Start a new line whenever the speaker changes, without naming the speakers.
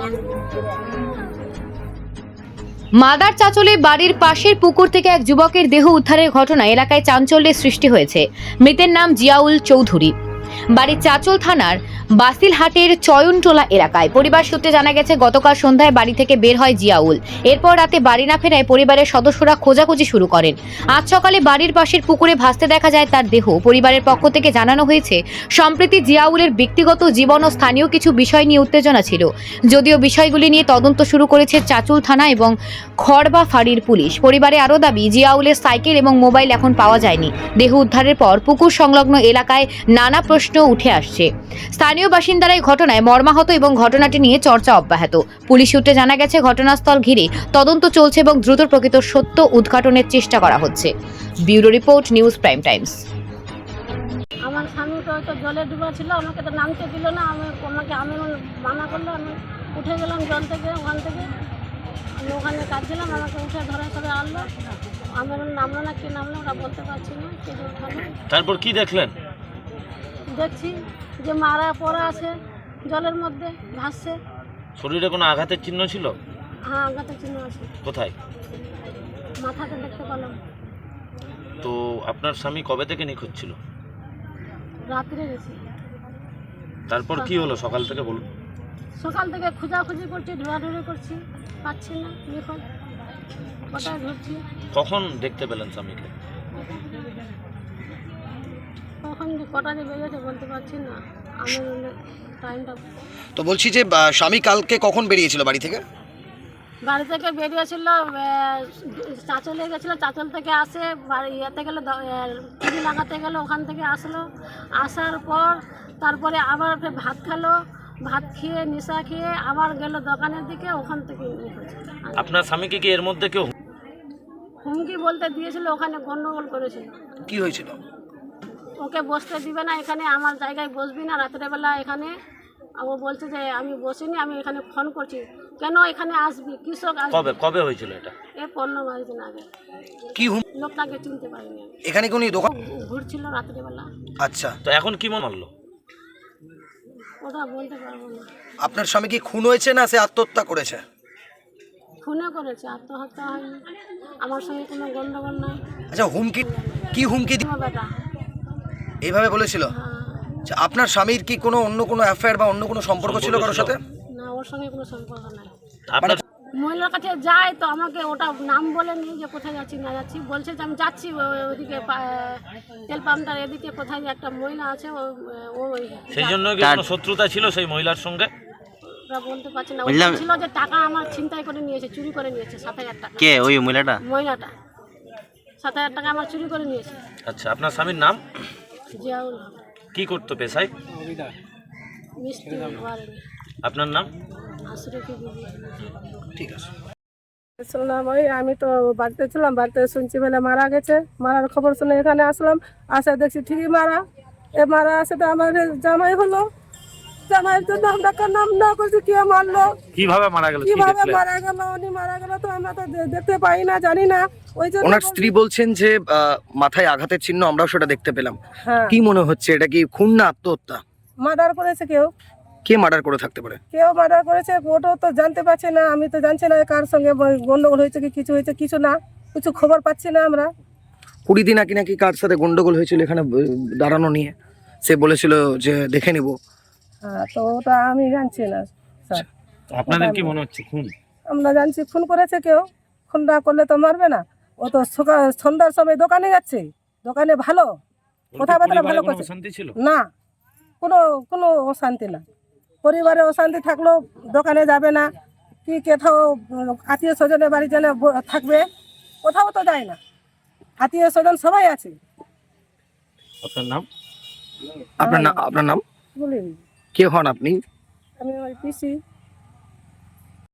Mother চাঁচলে বাড়ির পাশের পুকুর থেকে এক যুবকের দেহ উদ্ধারের ঘটনা এলাকায় চাঞ্চল্যের সৃষ্টি হয়েছে। মৃতের নাম জিয়াউল চৌধুরী, বাড়ি চাঁচল থানার বাসিলহাটের চয়নটোলা এলাকায়। পরিবার সূত্রে জানা গেছে, গতকাল সন্ধ্যায় বাড়ি থেকে বের হয় জিয়াউল। এরপর রাতে বাড়ি না ফেরায় পরিবারের সদস্যরা খোঁজাখুঁজি শুরু করেন। আজ সকালে বাড়ির পাশের পুকুরে ভাসতে দেখা যায় তার দেহ। পরিবারের পক্ষ থেকে জানানো হয়েছে, সম্প্রতি জিয়াউলের ব্যক্তিগত জীবন ও স্থানীয় কিছু বিষয় নিয়ে উত্তেজনা ছিল। যদিও বিষয়গুলি নিয়ে তদন্ত শুরু করেছে চাঁচল থানা এবং খড়বা ফাঁড়ির পুলিশ। পরিবারে আরও দাবি, জিয়াউলের সাইকেল এবং মোবাইল এখন পাওয়া যায়নি। দেহ উদ্ধারের পর পুকুর সংলগ্ন এলাকায় নানা প্রশ্ন উঠে আসছে। স্থানীয় বাসিন্দারা এই ঘটনায় মর্মাহত এবং ঘটনাটি নিয়ে চর্চা অব্যাহত। পুলিশ সূত্রে জানা গেছে, ঘটনাস্থল ঘিরে তদন্ত চলছে এবং দ্রুত প্রকৃত সত্য উদ্ঘাটনের চেষ্টা করা হচ্ছে। Bureau report, news prime times.
আমার স্বামী তো জলে ডুবা ছিল, আমাকে তো নামতে দিল না। আমি মানা করলো, আমি উঠে গেলাম জল থেকে। ওখান থেকে আমি ওখানে কাঁদছিলাম, আমাকে উঠে ধরে ধরে আনলো। আমার নামলো না, কি নামলো ওরা বলতে পারছি না। কে উঠালো।
তারপর কি দেখলেন?
দেখছি যে মারা পড়া আছে জলের মধ্যে, ভাসছে।
শরীরে কোনো আঘাতের চিহ্ন ছিল?
হ্যাঁ, আঘাতের চিহ্ন আছে।
কোথায়?
মাথাতে দেখতে পেলাম।
তো আপনার স্বামী কবে থেকে নিখোঁজ ছিল?
রাত্রে গেছি।
তারপর কি হলো সকাল থেকে বলুন?
সকাল থেকে খোঁজাখুঁজি করছি, ঢোড়াঢুড়ি করছি, পাচ্ছি না। নিখোঁজ কোথায় ঘুরছি।
কখন দেখতে পেলেন স্বামীকে?
কখন যে কটা যে বেরিয়েছে বলতে পারছি না আমি টাইমটা।
তো বলছি যে স্বামী কালকে কখন বেরিয়েছিল বাড়ি থেকে?
বাড়ি থেকে বেরিয়েছিল, চাঁচলে গেছিলো। চাঁচল থেকে আসে বাড়ি ইয়েতে গেলো, টিভি লাগাতে গেলো। ওখান থেকে আসলো, আসার পর তারপরে আবার ভাত খেলো। ভাত খেয়ে নেশা খেয়ে আবার গেল দোকানের দিকে। ওখান থেকে
আপনার স্বামীকে কি এর মধ্যে কেউ
হুমকি বলতে দিয়েছিল, ওখানে গন্ডগোল করেছিল।
কি হয়েছিল?
ওকে বসতে দিবে না, এখানে আমার জায়গায় বসবি না রাত্রেবেলা এখানে। ও বলছে যে আমি বসিনি, আমি এখানে ফোন করছি, কেন এখানে আসবি, কৃষক
কবে কবে হয়েছিল এটা?
15 দিন আগে।
কি
লোকটাকে চিনতে পারিনি।
এখানে কোন দোকান
ঘুরছিল রাত্রেবেলা।
আচ্ছা,
তো এখন কি মনে হলো?
ওটা বলতে পারবো না।
আপনার স্বামী কি খুন হয়েছে না সে আত্মহত্যা করেছে?
খুনে করেছে, আত্মহত্যা হয়নি। আমার সঙ্গে কোনো গন্ডগোল নাই।
আচ্ছা, কি হুমকি
বেটা
এইভাবে বলেছিল? আচ্ছা, আপনার স্বামীর কি কোনো অন্য কোনো অ্যাফেয়ার বা অন্য কোনো সম্পর্ক ছিল কারোর সাথে?
না, ওর সঙ্গে কোনো সম্পর্ক নাই।
আপনার
মহিলার কাছে যায় তো আমাকে ওটা নাম বলে নিয়ে যে কোথায় যাচ্ছি না যাচ্ছি, বলছে যে আমি যাচ্ছি ওইদিকে তেল পাম্পটার এদিকে কোথায় যে একটা মহিলা আছে
সেই জন্য কি কোনো শত্রুতা ছিল সেই মহিলার সঙ্গে?
ওরা বলতে পারছে না। ছিল যে টাকা আমার ছিনতাই করে নিয়েছে, চুরি করে নিয়েছে 7,000 টাকা।
কে ওই মহিলাটা?
7,000 টাকা আমার চুরি করে নিয়েছে।
আচ্ছা, আপনার স্বামীর নাম?
জিয়াউল।
কি করতো পেশায়?
মিস্ত্রি বাড়ি।
আপনার নাম?
আশরাফি বিবি।
ঠিক আছে।
শুনলাম আমি তো বাড়িতে ছিলাম, বাড়িতে শুনছি বলে মারা গেছে। মারার খবর শুনে এখানে আসলাম, আসে দেখছি ঠিকই মারা। মারা আসে তো আমার জামাই হলো। জামাইয়ের জন্য আমরা নাম না করছি কে মারলো,
কিভাবে মারা গেল,
কিভাবে মারা গেল, উনি মারা গেল তো আমরা তো দেখতে পাই না, জানি না। ওই জন্য
ওনার স্ত্রী বলছেন যে মাথায় আঘাতের চিহ্ন আমরাও সেটা দেখতে পেলাম।
হ্যাঁ,
কি মনে হচ্ছে, এটা কি খুন না আত্মহত্যা?
মার্ডার করেছে কেউ।
কে মার্ডার করে থাকতে পারে?
কেউ মার্ডার করেছে, ওটাও তো জানতে পারছি না। আমি তো জানছি না কার সঙ্গে গন্ডগোল হয়েছে কি কিছু হয়েছে, কিছু না, কিছু খবর পাচ্ছি না আমরা।
20 দিন আগে নাকি কার সাথে গন্ডগোল হয়েছিল এখানে দাঁড়ানো নিয়ে, সে বলেছিল যে দেখে নিব।
হ্যাঁ, তো ওটা আমি জানছি না স্যার।
আপনাদের কি মনে হচ্ছে খুন?
আমরা জানছি খুন করেছে কেউ। খুন না করলে তো মারবে না। ও তো সন্ধ্যার সময় দোকানে যাচ্ছে, দোকানে ভালো কথাবার্তা ভালো করছে।
শান্তি ছিল
না, কোনো কোনো অশান্তি না। পরিবারে অশান্তি থাকলেও দোকানে যাবে না, কি কোথাও আত্মীয় স্বজনের বাড়ি যেন থাকবে, কোথাও তো যায় না। আত্মীয় স্বজন সবাই আছে।
আপনার নাম?
আপনার নাম
বলিনি।
কে হন আপনি?
আমি ওই পিসি।